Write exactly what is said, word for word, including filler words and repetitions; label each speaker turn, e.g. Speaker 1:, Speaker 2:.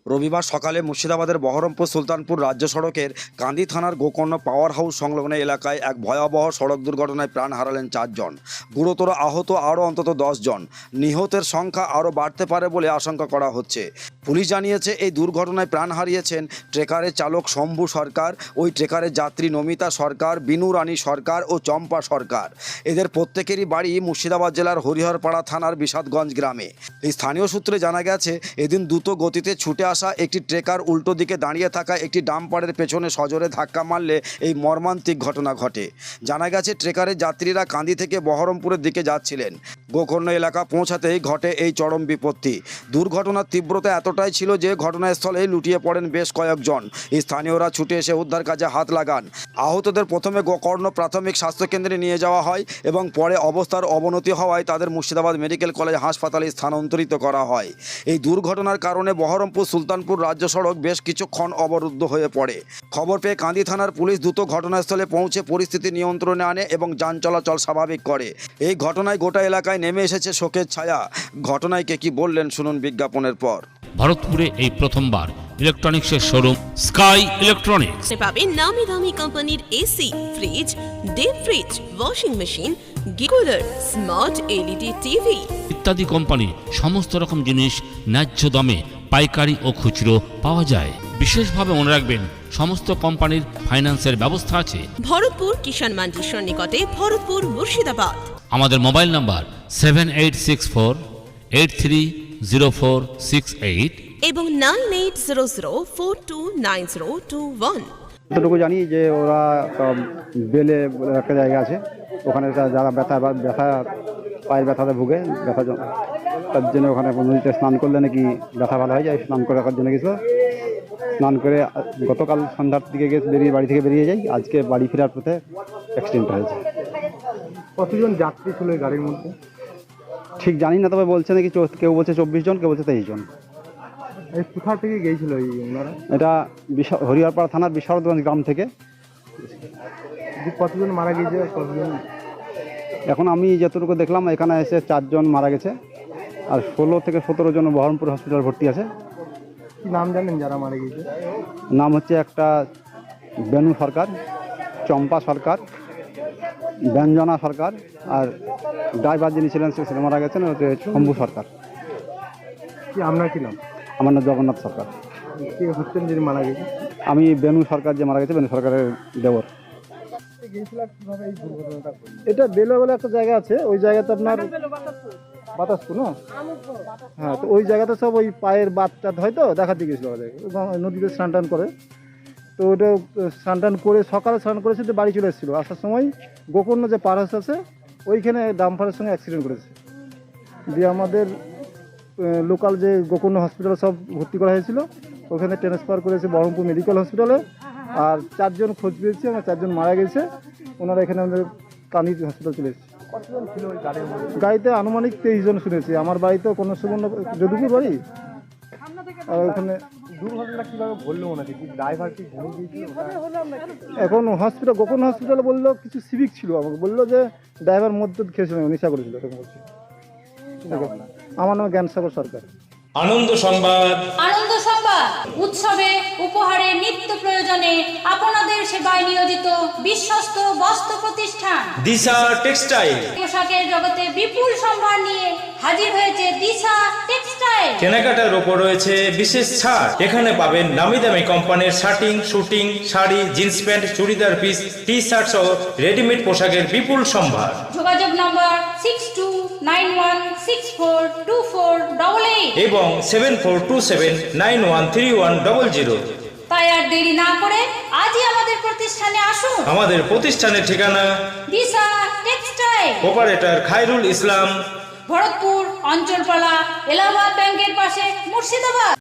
Speaker 1: রবিবার সকালে মুর্শিদাবাদের বহরমপুর সুলতানপুর রাজ্য সড়কের কান্দি থানার গোকর্ণ পাওয়ার হাউস সংলগ্ন এলাকায় এক ভয়াবহ সড়ক দুর্ঘটনায় প্রাণ হারালেন চারজন। গুরুতর আহত আরও অন্তত দশ জন। নিহতের সংখ্যা আরও বাড়তে পারে বলে আশঙ্কা করা হচ্ছে। পুলিশ জানিয়েছে, এই দুর্ঘটনায় প্রাণ হারিয়েছেন ট্রেকারের চালক শম্ভু সরকার, ওই ট্রেকারের যাত্রী নমিতা সরকার, বিনু রানী সরকার ও চম্পা সরকার। এদের প্রত্যেকেরই বাড়ি মুর্শিদাবাদ জেলার হরিহরপাড়া থানার বিষাদগঞ্জ গ্রামে। এই স্থানীয় সূত্রে জানা গেছে, এদিন দ্রুত গতিতে ছুটে আসা একটি ট্রেকার উল্টো দিকে দাঁড়িয়ে থাকা একটি ডাম্পারের পেছনে সজোরে ধাক্কা মারলে এই মর্মান্তিক ঘটনা ঘটে। জানা গেছে, ট্রেকারের যাত্রীরা কান্দি থেকে বহরমপুরের দিকে যাচ্ছিলেন। গোকর্ণ এলাকা পৌঁছাতেই ঘটে এই চরম বিপত্তি। দুর্ঘটনার তীব্রতা এতটাই ছিল যে ঘটনাস্থলে লুটিয়ে পড়েন বেশ কয়েকজন। স্থানীয়রা ছুটে এসে উদ্ধার কাজে হাত লাগান। আহতদের প্রথমে গোকর্ণ প্রাথমিক স্বাস্থ্যকেন্দ্রে নিয়ে যাওয়া হয় এবং পরে অবস্থার অবনতি হওয়ায় তাদের মুর্শিদাবাদ মেডিকেল কলেজ হাসপাতালে স্থানান্তরিত করা হয়। এই দুর্ঘটনার কারণে বহরমপুর সুলতানপুর রাজ্য সড়ক বেশ কিছুক্ষণ অবরুদ্ধ হয়ে পড়ে। খবর পেয়ে কান্দি থানার পুলিশ দ্রুত ঘটনাস্থলে পৌঁছে পরিস্থিতি নিয়ন্ত্রণে আনে এবং যান চলাচল স্বাভাবিক করে। এই ঘটনায় গোটা এলাকায় নেমে এসেছে শোকের ছায়া। ঘটনায় কে কি বললেন শুনুন বিজ্ঞাপনের পর।
Speaker 2: ভারতপুরে এই প্রথমবার ইলেকট্রনিক্সের শোরুম স্কাই ইলেকট্রনিক্স
Speaker 3: পাবেন নামি দামি কোম্পানির AC, fridge, deep fridge, washing machine, cooler, smart LED TV
Speaker 2: ইত্যাদি কোম্পানি সমস্ত রকম জিনিস ন্যায্য দামে পাইকারি ও খুচরো পাওয়া যায়। বিশেষভাবে মনে রাখবেন, সমস্ত কোম্পানির ফাইন্যান্সের ব্যবস্থা আছে।
Speaker 3: ভরতপুর কিষাণ মান্ডির নিকটে, ভরতপুর, মুর্শিদাবাদ।
Speaker 2: আমাদের mobile number seven eight six four eight three zero four six eight
Speaker 3: এবং nine eight zero zero four two nine zero two one.
Speaker 4: যতটুকু জানি যে ওরা বেলে বলে একটা জায়গা আছে, ওখানে যারা ব্যথা বা ব্যথা পায়ের ব্যথাতে ভুগে, ব্যথা তার জন্য ওখানে নদীতে স্নান করলে নাকি ব্যথা ভালো হয়ে যায়। স্নান করে রাখার জন্য গেছিলো। স্নান করে গতকাল সন্ধ্যার দিকে গিয়ে বেরিয়ে বাড়ি থেকে বেরিয়ে যাই। আজকে বাড়ি ফেরার পথে অ্যাক্সিডেন্ট হয়েছে।
Speaker 5: কতজন যাত্রী ছিল এই গাড়ির মধ্যে
Speaker 4: ঠিক জানি না, তবে বলছে নাকি কেউ বলছে চব্বিশ জন, কেউ বলছে তেইশ জন।
Speaker 5: এই কোথা থেকে গিয়েছিল এই ওনারা?
Speaker 4: এটা হরিহরপাড়া থানার বিষাদগঞ্জ গ্রাম থেকে।
Speaker 5: কতজন মারা গিয়েছে? কতজন?
Speaker 4: এখন আমি যতটুকু দেখলাম, এখানে এসে চারজন মারা গেছে আর ষোলো থেকে সতেরো জন বহরমপুর হসপিটাল ভর্তি আছে।
Speaker 5: কি নাম জানেন যারা মারা গিয়েছে?
Speaker 4: নাম হচ্ছে একটা বেনু সরকার, চম্পা সরকার, ব্যঞ্জনা সরকার, আর ড্রাইভার যিনি ছিলেন সে মারা গেছেন হচ্ছে শম্ভু সরকার।
Speaker 5: কি আপনার কি নাম?
Speaker 4: আমার নাম জগন্নাথ সরকার।
Speaker 5: কে হচ্ছেন যিনি মারা গেছে?
Speaker 4: আমি বেনু সরকার যে মারা গেছে, বেনু সরকারের দেবর। এটা বেলে বলে একটা জায়গা আছে, ওই জায়গাতে আপনার বাতাসপুর না, হ্যাঁ, তো ওই জায়গাতে সব ওই পায়ের বাতটা হয়তো দেখাতে গেছিলো নদীতে স্নান টান করে। তো ওটা স্নান টান করে সকালে স্নান করেছে, তো বাড়ি চলে এসেছিলো। আসার সময় গোকর্ণ যে পার হাউস আছে ওইখানে ডাম্পারের সঙ্গে অ্যাক্সিডেন্ট করেছে। দিয়ে আমাদের লোকাল যে গোকর্ণ হসপিটালে সব ভর্তি করা হয়েছিল, ওখানে ট্রান্সফার করেছে বহরমপুর মেডিকেল হসপিটালে। আর চারজন খোঁজ পেয়েছি, আমার চারজন মারা গেছে। ওনারা এখানে আমাদের কান্দি হসপিটাল চলে এসেছে।
Speaker 5: কতজন ছিল ওই গাড়ির মধ্যে?
Speaker 4: গাড়িতে আনুমানিক তেইশ জন শুনেছি। আমার বাড়িতে কোনো সুবর্ণ যদুপুর বাড়ি, আর ওখানে
Speaker 5: দুর্ঘটনা কিভাবে বললো ওনাকে? কি ড্রাইভার কি ঘুমিয়ে গিয়েছিল?
Speaker 4: এখন হসপিটাল গোকর্ণ হসপিটালে বললো কিছু সিভিক ছিল, আমাকে বললো যে ড্রাইভার মধ্যে খেয়েছিল, নেশা করেছিল। আমার নাম জ্ঞানসাগর সরকার।
Speaker 6: আনন্দ সংবাদ।
Speaker 7: আনন্দ সংবাদ উৎসবে, উপহারে, নিত্য প্রয়োজনে আপনাদের সেবায় নিয়োজিত বিশ্বস্ত বস্ত্র প্রতিষ্ঠান
Speaker 6: দিশা টেক্সটাইল।
Speaker 7: পোশাকের জগতে বিপুল সম্ভার নিয়ে হাজির হয়েছে দিশা টেক্সটাইল।
Speaker 6: কেনাকাটার ওপর রয়েছে বিশেষ ছাড়। এখানে পাবেন নামি দামি কোম্পানির shirting, suiting, sari, jeans pant, churidar piece, T shirt সহ রেডিমেড পোশাকের বিপুল সম্ভার।
Speaker 7: যোগাযোগ number six two nine one six four two four double eight
Speaker 6: এবং seven four two seven nine one three one double zero.
Speaker 7: তাই আর দেরি না করে আজই আমাদের প্রতিষ্ঠানে আসুন।
Speaker 6: আমাদের প্রতিষ্ঠানের ঠিকানা
Speaker 7: দিশা টেক্সটাইল,
Speaker 6: অপারেটর খায়রুল ইসলাম,
Speaker 7: ভরতপুর অঞ্চলপালা, এলাহাবাদ ব্যাংকের পাশে, মুর্শিদাবাদ।